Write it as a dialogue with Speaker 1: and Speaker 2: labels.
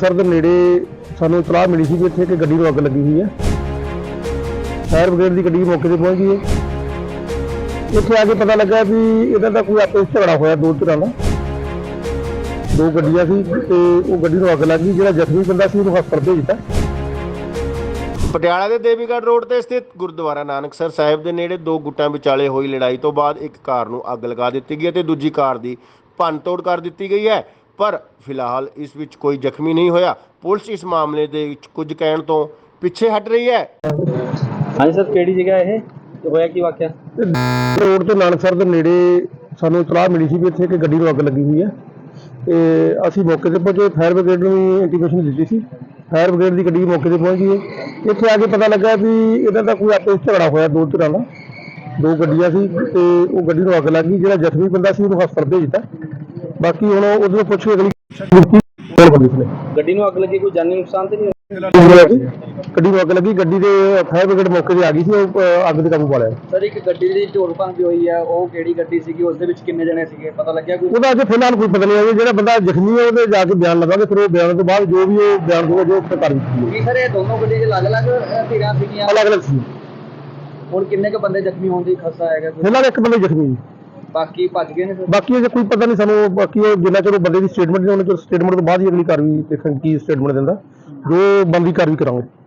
Speaker 1: ਨਾਨਕਸਰ ਦੇ ਨੇੜੇ ਸਾਨੂੰ ਇਤਲਾਹ ਮਿਲੀ ਸੀ ਕਿ ਇੱਥੇ ਇੱਕ ਗੱਡੀ ਨੂੰ ਅੱਗ ਲੱਗੀ ਹੋਈ ਹੈ। ਫਾਇਰ ਬ੍ਰਿਗੇਡ ਦੀ ਗੱਡੀ ਮੌਕੇ ਤੇ ਪਹੁੰਚ ਗਈ ਹੈ। ਇੱਥੇ ਆ ਕੇ ਪਤਾ ਲੱਗਾ ਵੀ ਇਹਨਾਂ ਦਾ ਕੋਈ ਆਪਸ ਵਿੱਚ ਝਗੜਾ ਹੋਇਆ ਦੋ ਧਿਰਾਂ ਦਾ। ਦੋ ਗੱਡੀਆਂ ਸੀ ਤੇ ਉਹ ਗੱਡੀ ਨੂੰ ਅੱਗ ਲੱਗ ਗਈ। ਜਿਹੜਾ ਜ਼ਖਮੀ ਬੰਦਾ ਸੀ ਉਹਨੂੰ ਹਸਪਤਾਲ ਭੇਜ ਦਿੱਤਾ।
Speaker 2: ਪਟਿਆਲਾ ਦੇ ਦੇਵੀਗੜ੍ਹ ਰੋਡ ਤੇ ਸਥਿਤ ਗੁਰਦੁਆਰਾ ਨਾਨਕਸਰ ਸਾਹਿਬ ਦੇ ਨੇੜੇ ਦੋ ਗੁੱਟਾਂ ਵਿਚਾਲੇ ਹੋਈ ਲੜਾਈ ਤੋਂ ਬਾਅਦ ਇੱਕ ਕਾਰ ਨੂੰ ਅੱਗ ਲਗਾ ਦਿੱਤੀ ਗਈ ਅਤੇ ਦੂਜੀ ਕਾਰ ਦੀ ਭੰਨਤੋੜ ਕਰ ਦਿੱਤੀ ਗਈ ਹੈ, ਪਰ ਫਿਲਹਾਲ ਇਸ ਵਿੱਚ ਕੋਈ ਜ਼ਖਮੀ ਨਹੀਂ ਹੋਇਆ। ਪੁਲਿਸ ਇਸ ਮਾਮਲੇ ਦੇ ਵਿੱਚ ਕੁਝ ਕਹਿਣ ਤੋਂ ਪਿੱਛੇ ਹਟ ਰਹੀ ਹੈ।
Speaker 3: ਹਾਂਜੀ ਸਰ, ਕਿਹੜੀ ਜਗ੍ਹਾ ਇਹ ਹੋਇਆ ਕੀ ਵਾਕਿਆ?
Speaker 1: ਰੋਡ ਤੇ ਨਾਨਕਸਰ ਦੇ ਨੇੜੇ ਸਾਨੂੰ ਇਤਲਾਹ ਮਿਲੀ ਸੀ ਕਿ ਇੱਥੇ ਇੱਕ ਗੱਡੀ ਨੂੰ ਅੱਗ ਲੱਗੀ ਹੋਈ ਹੈ ਤੇ ਅਸੀਂ ਮੌਕੇ ਤੇ ਪਹੁੰਚੇ। ਫਾਇਰ ਬ੍ਰਿਗੇਡ ਨੂੰ ਵੀ ਇੰਟੀਮੇਸ਼ਨ ਦਿੱਤੀ ਸੀ। ਫਾਇਰ ਬ੍ਰਿਗੇਡ ਦੀ ਗੱਡੀ ਮੌਕੇ ਤੇ ਪਹੁੰਚ ਗਈ ਹੈ। ਇੱਥੇ ਆ ਕੇ ਪਤਾ ਲੱਗਾ ਵੀ ਇਹਨਾਂ ਦਾ ਕੋਈ ਆਪਸ ਵਿੱਚ ਝਗੜਾ ਹੋਇਆ ਦੋ ਧਿਰਾਂ ਦਾ। ਦੋ ਗੱਡੀਆਂ ਸੀ ਤੇ ਉਹ ਗੱਡੀ ਨੂੰ ਅੱਗ ਲੱਗ ਗਈ। ਜਿਹੜਾ ਜ਼ਖਮੀ ਬੰਦਾ ਸੀ ਉਹਨੂੰ ਹਸਪਤਾਲ ਭੇਜ ਦਿੱਤਾ। ਬਾਕੀ ਹੁਣ ਉਹਦੇ ਪੁੱਛ ਕੇ ਅਗਲੀ
Speaker 3: ਗੱਡੀ ਨੂੰ ਅੱਗ ਲੱਗੀ, ਕੋਈ ਜਾਨੀ ਨੁਕਸਾਨ ਤੇ ਨਹੀਂ?
Speaker 1: ਗੱਡੀ ਨੂੰ ਅੱਗ ਲੱਗੀ। ਗੱਡੀ ਦੇ ਫਾਇਰ ਬ੍ਰਿਗੇਡ ਮੌਕੇ ਤੇ ਆ ਗਈ ਸੀ। ਉਹ ਅੱਗ ਤੇ ਕਾਬੂ ਪਾ ਲਿਆ।
Speaker 3: ਸਰ, ਇੱਕ ਗੱਡੀ ਦੀ ਢੋਲ ਭੰਨ ਵੀ ਹੋਈ ਹੈ, ਉਹ ਕਿਹੜੀ ਗੱਡੀ ਸੀਗੀ? ਉਸ ਦੇ ਵਿੱਚ ਕਿੰਨੇ ਜਣੇ ਸੀਗੇ, ਪਤਾ ਲੱਗਿਆ ਕੋਈ?
Speaker 1: ਉਹਦਾ ਅਜੇ ਫਿਲਹਾਲ ਕੋਈ ਪਤਾ ਨਹੀਂ ਹੈ। ਜਿਹੜਾ ਬੰਦਾ ਜ਼ਖਮੀ ਹੈ ਉਹਦੇ ਜਾ ਕੇ ਬਿਆਨ ਲਵਾਂਗੇ, ਫਿਰ ਉਹ ਬਿਆਨ ਤੋਂ ਬਾਅਦ ਜੋ ਵੀ ਉਹ ਬਿਆਨ ਦੂਗਾ ਜੋ ਉੱਥੇ ਕਰ ਦਿੱਤੀ
Speaker 3: ਕੀ ਸਰ ਇਹ ਦੋਨੋਂ ਗੱਡੀ ਦੇ ਅਲੱਗ-ਅਲੱਗ ਧਿਰਾਂ ਸੀਗੀਆਂ?
Speaker 1: ਅਲੱਗ-ਅਲੱਗ ਸੀ।
Speaker 3: ਹੁਣ ਕਿੰਨੇ ਕੁ ਬੰਦੇ ਜ਼ਖਮੀ ਹੋਣ ਦੀ ਖਸਾ ਹੈਗਾ?
Speaker 1: ਫਿਲਹਾਲ ਇੱਕ ਬੰਦਾ ਜ਼ਖਮੀ ਜੀ।
Speaker 3: ਬਾਕੀ ਭੱਜ ਗਏ ਨੇ ਸਰ?
Speaker 1: ਬਾਕੀ ਅਜੇ ਕੋਈ ਪਤਾ ਨਹੀਂ ਸਾਨੂੰ। ਬਾਕੀ ਉਹ ਜਿੰਨਾ ਚਿਰ ਬੰਦੇ ਦੀ ਸਟੇਟਮੈਂਟ ਨਹੀਂ, ਉਹਨਾਂ ਚਿਰ ਸਟੇਟਮੈਂਟ ਤੋਂ ਬਾਅਦ ਹੀ ਅਗਲੀ ਕਾਰਵਾਈ ਦੇਖਣ ਕੀ ਸਟੇਟਮੈਂਟ ਦਿੰਦਾ। ਜੋ ਬਣਦੀ ਕਾਰਵਾਈ ਕਰਾਂਗੇ।